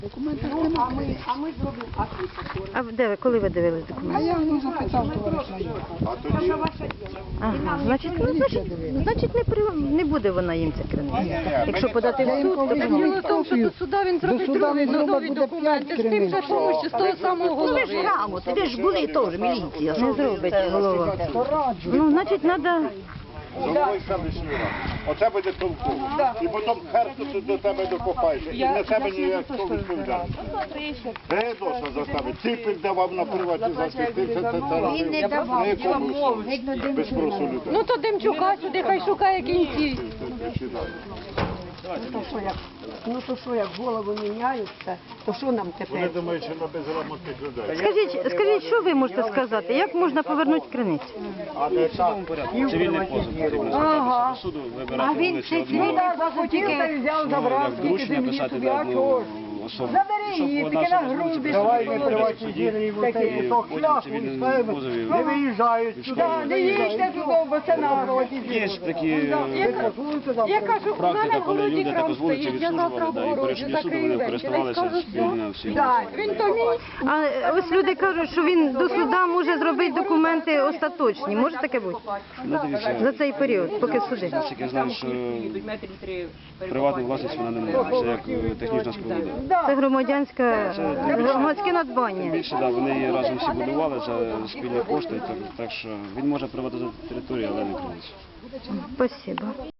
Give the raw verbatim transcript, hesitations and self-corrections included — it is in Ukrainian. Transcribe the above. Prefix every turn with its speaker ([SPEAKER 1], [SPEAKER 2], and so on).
[SPEAKER 1] Документів
[SPEAKER 2] Ну, а
[SPEAKER 1] немає.
[SPEAKER 2] ми, а ми зробимо акцію.
[SPEAKER 3] А де ви, коли ви дивились
[SPEAKER 1] А
[SPEAKER 3] документи?
[SPEAKER 1] я ну, запитав товариша його.
[SPEAKER 4] А тоді...
[SPEAKER 2] Це ваше діло.
[SPEAKER 3] Ага, значить, ну, значить, значить не, при, не буде вона їм ця криниця. Якщо подати в суд, то
[SPEAKER 1] Діло в тому, що до суда він зробить другий нові документи з тим же помощі, з того самого
[SPEAKER 5] Ну ви ж
[SPEAKER 1] голови.
[SPEAKER 5] грамоти, ви ж були теж міліція.
[SPEAKER 3] не зробить голова. Ну, значить, треба...
[SPEAKER 4] Головою селищної ради. Оце буде толково. І потім херсу до тебе докопаєш. І на тебе ніякого відповідальності. Гедоса заставить. Ципель давав на приватизацію. Ти це це
[SPEAKER 2] Він не давав.
[SPEAKER 4] без спросу людей.
[SPEAKER 1] Ну то Демчука сюди, хай шукає кінці.
[SPEAKER 2] Ну то що як, ну то що як голови міняються, то що нам
[SPEAKER 4] Вони
[SPEAKER 2] тепер?
[SPEAKER 4] думають, що на безграмотних людей.
[SPEAKER 3] Скажіть, скажіть, що ви можете сказати? Як можна повернути криницю?
[SPEAKER 6] Цивільний позов потрібно звертатися до суду, вибирати вулицю одного, як доручення писати до одного особи, щоб одна особа з вулиці представляла в суді, і потім в цивільному позові є такі
[SPEAKER 1] Я кажу,
[SPEAKER 6] практика, коли люди так з вулиці відслужували, да, і по рішенню суду вони користувалися спільно всі.
[SPEAKER 1] він то мій.
[SPEAKER 3] А ось люди кажуть, що він до суда може зробити документи остаточні. Може таке бути?
[SPEAKER 6] Ну, дивіться,
[SPEAKER 3] За цей період, поки суди.
[SPEAKER 6] наскільки я знаю, що приватну власність вона не може, це як е, технічна споруда.
[SPEAKER 3] Це громадянська, громадське надбання.
[SPEAKER 6] Більше, да, вони її разом всі будували за спільні кошти, так, так що він може приватизувати територію, але не криницю.
[SPEAKER 3] Спасибо.